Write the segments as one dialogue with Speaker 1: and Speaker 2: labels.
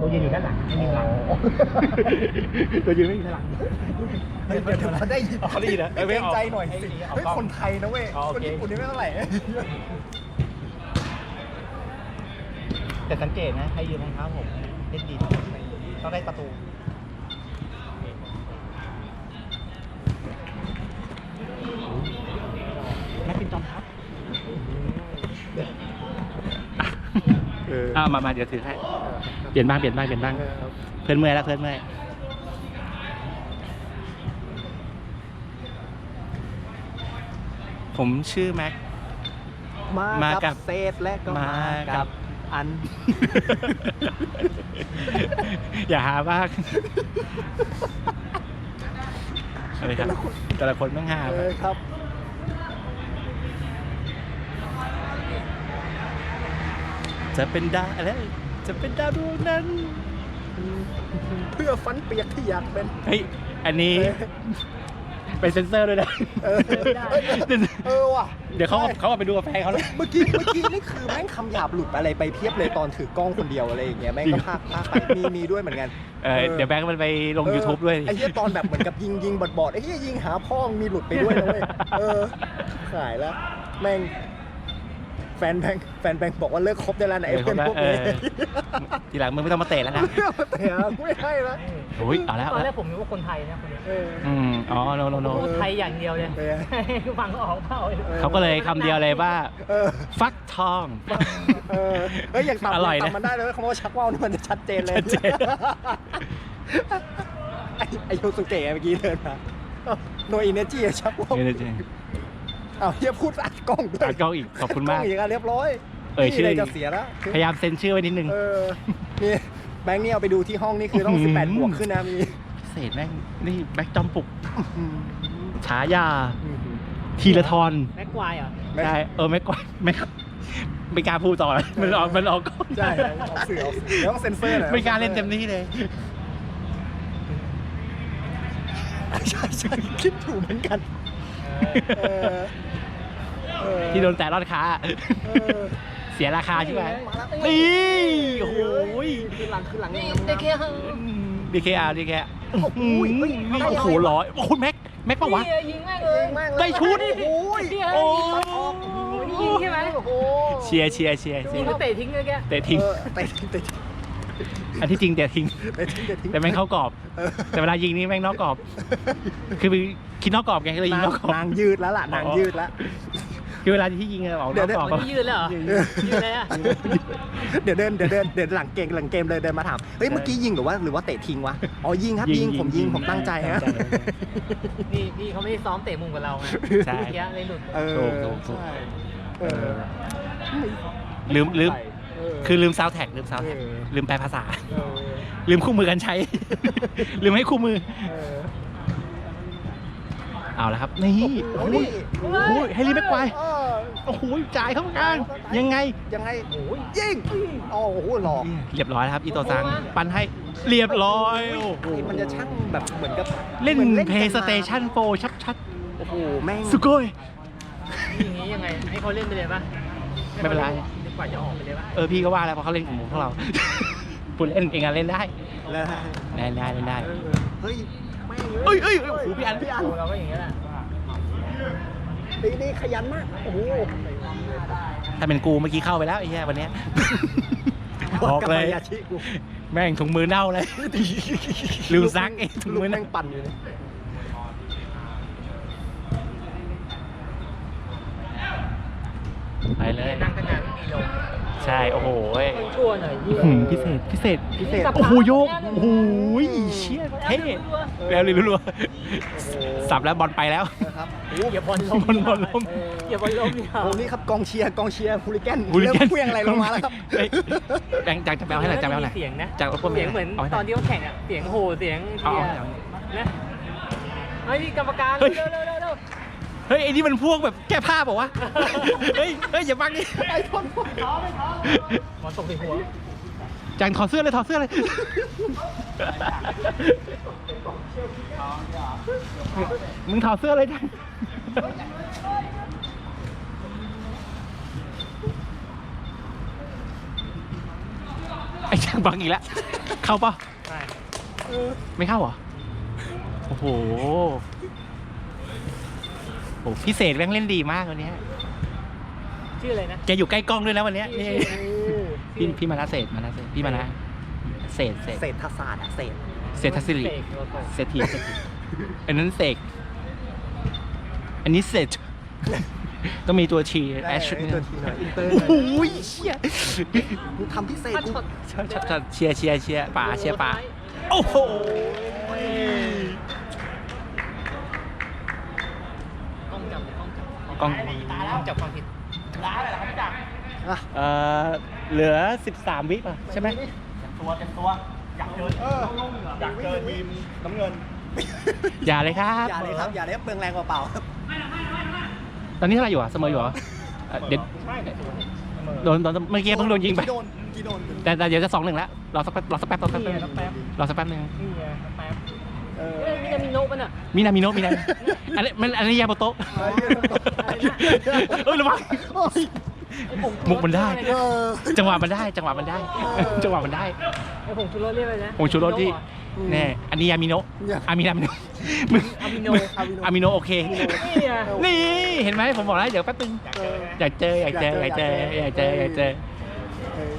Speaker 1: ตัวยืนอยู่ด้านหลังไม่มีหลังตัวยืนไม่มีหลังเดี๋ยวเขาได้ยินเขาได้ยินนะเกรงใจหน่อยสิเฮ้ยคนไทยนะเว้ยคนญี่ปุ่นนี่ไม่เท่าไหร่แต่สังเกตนะให้ยืนรองเท้าผมเล่นดีต้องได้ประตูนักบินจอมทัพมาเดี๋ยวถือให้เปลี่ยนบ้างเพื่อนเมื่อยแล้วเพื่อนเมื่อยผมชื่อแม็กมากับเศษและก็มากับอันอย่าหาบ้างอะไรครับแต่ละคนต้องหาเลยครับจะเป็นดาวอะไรจะเป็นดาวดวงนั้นเพื่อฟันเปียกที่อยากเป็นเฮ้ยอันนี้ไปเซ็นเซอร์ด้วยนะ
Speaker 2: ว่ะ
Speaker 1: เดี๋ยวเขาไปดูกาแฟเขาเลย
Speaker 2: เมื่อกี้นี่คือแม่งคำหยาบหลุดอะไรไปเพียบเลยตอนถือกล้องคนเดียวอะไรอย่างเงี้ยแม่งก็พากไปมีด้วยเหมือนกัน
Speaker 1: เดี๋ยวแบงค์มันไปลง YouTube ด้วย
Speaker 2: ไอ้เหี้ยตอนแบบเหมือนกับยิงบอดไอ้เหี้ยยิงหาพ่อมีหลุดไปด้วยนะเว้ยขายแล้วแม่งแฟนแบงค์บอกว่าเลิกคบได้แล้วนะไอ้เพื่อนพวกนี้
Speaker 1: ทีหลังมึงไม่ต้องมาเตะแล้วนะ
Speaker 2: เตะไม่ให้แล้ว
Speaker 1: โอ้ยเอาแล้ว
Speaker 3: ตอนแรกผมนึกว่าคนไทยนะคนนี้
Speaker 1: อ๋อโน
Speaker 3: พูดไทยอย่างเดียวเลยฟังออกเปล่า
Speaker 1: เขาก็เลยคำเดียวเลยว่าฟักทอง
Speaker 2: เฮ้ยอย่างต่ำมันได้เลยคำว่าชักว่าวนี่มันจะชัดเจนเลยไอโยสุเกะเมื่อกี้เดินมาโนอินเนจิชักว่าวเฮียพูดอัดกล้องด้วย
Speaker 1: อัดกล้องอีกขอบคุณมาก
Speaker 2: อีกเรียบร้อย
Speaker 1: ชื่อ
Speaker 2: จะเสียแล้ว
Speaker 1: พยายามเซ็นชื่อไว้นิดนึง
Speaker 2: นี่แบงค์นี่เอาไปดูที่ห้องนี่คือต้อง18 บวกขึ้นนะมี
Speaker 1: พิเศษแม่งนี่แบ็คจอมปลุกฉายาทีละทอน
Speaker 3: แม็กควายเหรอ
Speaker 1: ใช่แม็กควายไม่กล้าพูดต่อมันออกกล้อง
Speaker 2: ใช่ออกสื่อต้องเซ็นเซอร์หน่อย
Speaker 1: ไม่กล้าเล่นเต็มที่เลย
Speaker 2: ใช่คิดถูกเหมือนกัน
Speaker 1: ที่โดนแต่รอดค้าเสียราคาใช่ไหมนี่โอ้โห
Speaker 2: คือหลัง
Speaker 1: DKR โอ้โหร้อยโอ้โหแม็กปะวะ
Speaker 3: ยิงแม่งเลย
Speaker 1: ได้ชุด
Speaker 3: โอ้ยิงใช่ไหม
Speaker 1: เชียร์
Speaker 3: ยิงก็เตะทิ้งเลยแก
Speaker 1: เตะทิ้งอันที่จริงเตะทิ้งแต่แม่งเข้ากรอบแต่เวลายิงนี่แม่งนอกกรอบคือคิดนอกกรอบไงก็เลยยิงนอกกรอบ
Speaker 2: นางยืดแล้วล่ะนางยืดแล้ว
Speaker 1: คือเวลาที่ยิงออกนอกกรอบ
Speaker 3: ยืดเลยเหรอยืดเลยอ่ะ
Speaker 2: เดี๋ยวหลังเกมเลยเดินมาถามเฮ้ยเมื่อกี้ยิงหรือว่าเตะทิ้งวะอ๋อยิงครับยิงผมตั้งใจฮะ
Speaker 3: นี่พี่เขาไม่ได้ซ้อมเตะมุมกับเราไง
Speaker 1: ใช่
Speaker 3: เลยหลุด
Speaker 1: ถูกลืมคือลืมซาวด์แท็กลืมแปลภาษาลืมคู่มือกันใช้ลืมให้คู่มือเอาละครับนี่โอ้ยให้รีบแม็กควายโอ้โหจ่ายเข้ากลางยังไง
Speaker 2: ยิงโอ้โหหลอก
Speaker 1: เรียบร้อยครับอีโตซังปันให้เรียบร้อยโอ้โห
Speaker 2: มันจะช่างแบบเหมือนกับ
Speaker 1: เล่นเพย์สเตชัน4ชัด
Speaker 2: โอ้โหแม่ง
Speaker 1: สุโกย
Speaker 3: อย่างนี้ยังไงให้เขาเล่นไปเลยป่ะ
Speaker 1: ไม่เป็นไร
Speaker 3: กว่าจะออกไปเลยป่ะ
Speaker 1: พี่ก็ว่าแล้วเพราะเขาเล่นของพวกเราปุ่นเล่นเองเล่นได้
Speaker 2: ได้
Speaker 1: เฮ้ยโอ้โหพี่อัน
Speaker 3: เราก็อย่างนี้แหละ
Speaker 2: ดีขยันมากโอ้โห
Speaker 1: ถ้าเป็นกูเมื่อกี้เข้าไปแล้วไอ้เหี้ยวันนี้บอกเลยแม่งถุงมือเน่าเลยลืมซักถุงมือ
Speaker 2: แม่งปั่นอยู่เลย
Speaker 1: ไปเลย
Speaker 3: นั่งกันนานไม่มีลม
Speaker 1: ใช่โอ้โห
Speaker 3: ชั่วหน่อย
Speaker 1: พิเศษโอ้โหโยกโอ้โหเชี่ยเท่แล้วเลยรัวๆสับแล้วบอลไปแล้ว
Speaker 2: ครับ
Speaker 3: อย่าบอลล้มอย่าบอลล้ม
Speaker 2: นี่ครับกองเชียร์ฮูลิแกนเริ่มเพี้ยงอะไรลงมาแล้วครับ
Speaker 1: จากจะแปลให้หน่อยจากแปลให้หน่อย
Speaker 3: เสียงนะ
Speaker 1: จาก
Speaker 3: เสียงเหมือนตอนที่เขาแข่งอ่ะเสียงโหเสียงนะเฮ้ยกรรมการเร็ว
Speaker 1: เฮ้ยไอ้นี่มันพวกแบบแก้ผ้าบอกว่าเฮ้ยอย่าบังดิ
Speaker 2: ไอ้ทน
Speaker 3: หมอนตกใส่หัว
Speaker 1: จังถอดเสื้อเลยมึงถอดเสื้อเลยจังไอ้จังบังอีกแล้วเข้าปะ
Speaker 3: ใช่
Speaker 1: ไม่เข้าเหรอ โอ้โหโอ้พิเศษแม่งเล่นดีมากวันนี้
Speaker 3: ชื่ออะไรนะ
Speaker 1: แกอยู่ใกล้กล้องด้วยนะวันนี้นี่
Speaker 2: เออ
Speaker 1: พี่มานะเศษพี่มานะเศษ
Speaker 2: เศรษฐศาสตร์อะเศษ
Speaker 1: เศรษฐศิริ
Speaker 3: เสกโลโก้
Speaker 1: เศรษฐีอันนั้นเสกอันนี้เศษต้องมีตัวชีแอช
Speaker 2: ได้ตัวทีหน่อยอินเตอร์หน่อย
Speaker 1: โอ้ยเชี่ย
Speaker 2: มึงทำพิเศษกู
Speaker 1: เชียร์ป่าเชียร์ป่าโอ้โห
Speaker 3: กล้องจับ
Speaker 1: กล้อง
Speaker 3: จับความผิด
Speaker 2: อ่ะ
Speaker 1: เหลือ13วิป่ะใช่ไหม
Speaker 2: อยากเจอทีมน้ำเงิน
Speaker 1: อย่าเลยครับ
Speaker 2: อย่าเลยครับ อย่าเลยครับเปลืองแรงเปล่าๆครับ
Speaker 1: ตอนนี้เท่าไหร่อยู่อ่ะเสมออยู่เหรอเดี๋ยวโดนเมื่อกี้เพิ่งโดนยิงไป
Speaker 2: กี่โดน
Speaker 1: แต่เดี๋ยวจะ2-1แล้วรอสักแป๊บรอสักแป๊บนึง
Speaker 3: นี่ไง
Speaker 1: นึง
Speaker 3: แป๊บ
Speaker 2: เออ
Speaker 3: มีนามิโนะป่ะน่ะ
Speaker 1: มินาอันนี้ยาโมโตะระวังมุกมันได้
Speaker 2: เออ
Speaker 1: จังหวะมันได้
Speaker 3: ไอ้ผงชูรสเรียกอะไรนะ
Speaker 1: ผงชูรสที่แน่อันนี้ยามิโนะอามินามิโนะมึง
Speaker 3: อามิโน
Speaker 1: อามิโนะโอเค
Speaker 3: นี่ไง
Speaker 1: นี่เห็นไหมผมบอกแล้วเดี๋ยวแป๊บนึงอยากเจอ
Speaker 2: เออ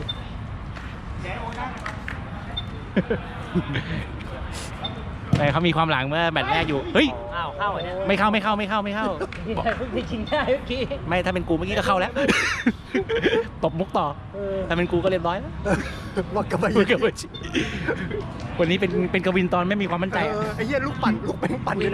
Speaker 1: แต่เขามีความหลังเมื่อแมตช์แรกอยู่เฮ้ย
Speaker 3: อ้าวเข้าเนี่ย
Speaker 1: ไม่เข้า
Speaker 3: นี่เพิ่งไปชิงได้เมื่อกี้
Speaker 1: ไม่ถ้าเป็นกูเมื่อกี้ก็เข้าแล้ว ตบมุกต่อ ถ้าเป็นกูก็เรียบร้อยแล้ว
Speaker 2: วักกระบะ
Speaker 1: วันนี้เป็นกวินตอนไม่มีความมั่นใจ
Speaker 2: ไอ้เหี้ยลูกปั่นอยู่